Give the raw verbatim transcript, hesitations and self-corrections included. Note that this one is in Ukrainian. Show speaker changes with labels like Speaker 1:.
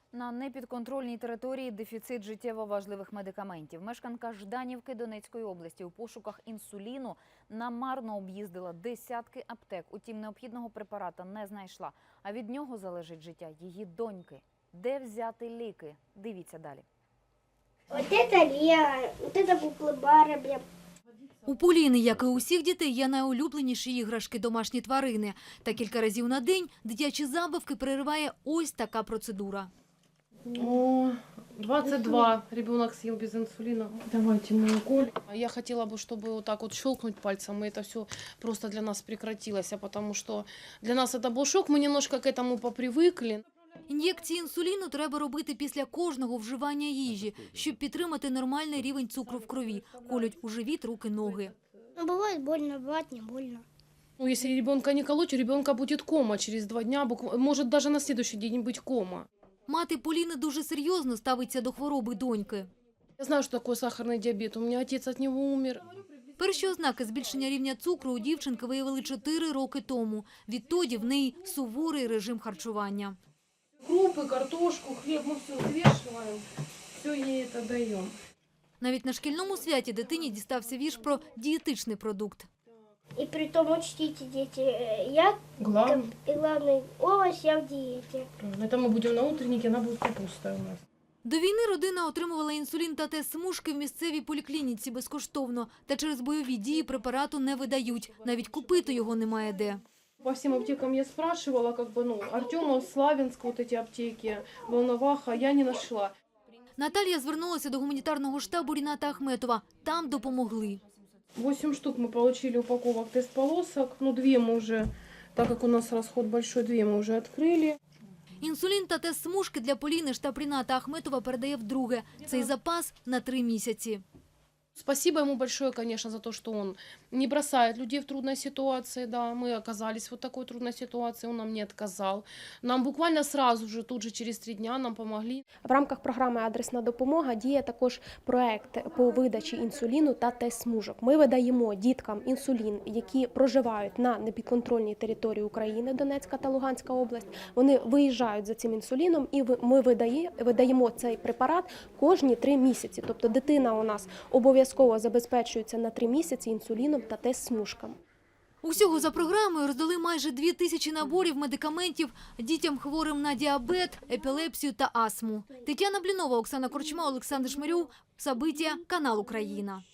Speaker 1: На непідконтрольній території дефіцит життєво важливих медикаментів. Мешканка Жданівки Донецької області у пошуках інсуліну намарно об'їздила десятки аптек. Утім, необхідного препарата не знайшла. А від нього залежить життя її доньки. Де взяти ліки? Дивіться далі.
Speaker 2: Вот это Лего, вот это куклы Барби.
Speaker 3: У Поліни, як і у всіх дітей, є найулюбленіші іграшки – домашні тварини. Та кілька разів на день дитячі забавки перериває ось така процедура.
Speaker 4: О, двадцать два. Ребенок съел без инсулина. Давайте мой укол. Я хотела бы, чтобы вот так вот щелкнуть пальцем, и это все просто для нас прекратилось, потому что для нас это был шок, мы немножко к этому попривыкли.
Speaker 3: Ін'єкції інсуліну треба робити після кожного вживання їжі, щоб підтримати нормальний рівень цукру в крові. Колють у живіт, руки, ноги.
Speaker 2: Ну, бывает больно, бывает не больно.
Speaker 4: Ну, если ребенка не колоть, у ребенка будет кома через два дня, букв- может даже на следующий день быть кома.
Speaker 3: Мати Поліни дуже серйозно ставиться до хвороби доньки.
Speaker 4: Я знаю, что такое сахарный диабет, у меня отец от него умер.
Speaker 3: Перші ознаки збільшення рівня цукру у дівчинки виявили чотири роки тому. Відтоді в неї суворий режим харчування.
Speaker 4: Крупы, картошку, хлеб мы все взвешиваем, все ей это даем.
Speaker 3: Навіть на шкільному святі дитині дістався вірш про дієтичний продукт.
Speaker 2: И при том учтите, дети, э, я
Speaker 4: Главное,
Speaker 2: и главный овощ я в диете.
Speaker 4: это мы будем на утреннике, она будет капуста у нас.
Speaker 3: До війни родина отримувала інсулін та тест-смужки в місцевій поліклініці безкоштовно. Та через бойові дії препарату не видають. Навіть купити його немає де.
Speaker 4: По всем аптекам я спрашивала, как бы, ну, Артема, Славянск, вот эти аптеки, Волноваха, я не нашла.
Speaker 3: Наталія звернулася до гуманітарного штабу Ріната Ахметова. Там допомогли.
Speaker 4: Восемь штук мы получили упаковок тест-полосок, ну, две мы уже, так как у нас расход большой, две мы уже открыли.
Speaker 3: Інсулін та тест-смужки для Поліни штаб Ріната Ахметова передає вдруге. Цей запас на три місяці.
Speaker 4: Спасибо ему большое, конечно, за то, что он не бросает людей в трудной ситуации. Да, мы оказались в вот такой трудной ситуации, он нам не отказал. Нам буквально сразу же, тут же через три дня нам помогли.
Speaker 5: В рамках програми «Адресна допомога» діє також проект по видачі інсуліну та тест-смужок. Ми видаємо діткам інсулін, які проживають на непідконтрольній території України, Донецька та Луганська область. Вони виїжджають за цим інсуліном і ми видає, видаємо цей препарат кожні три місяці. Тобто дитина у нас обов'язково забезпечується на три місяці інсуліном та тест-смужками.
Speaker 3: Усього за програмою роздали майже дві тисячі наборів медикаментів дітям хворим на діабет, епілепсію та астму. Тетяна Блінова, Оксана Корчма, Олександр Шмирьов. Сабиття, канал Україна.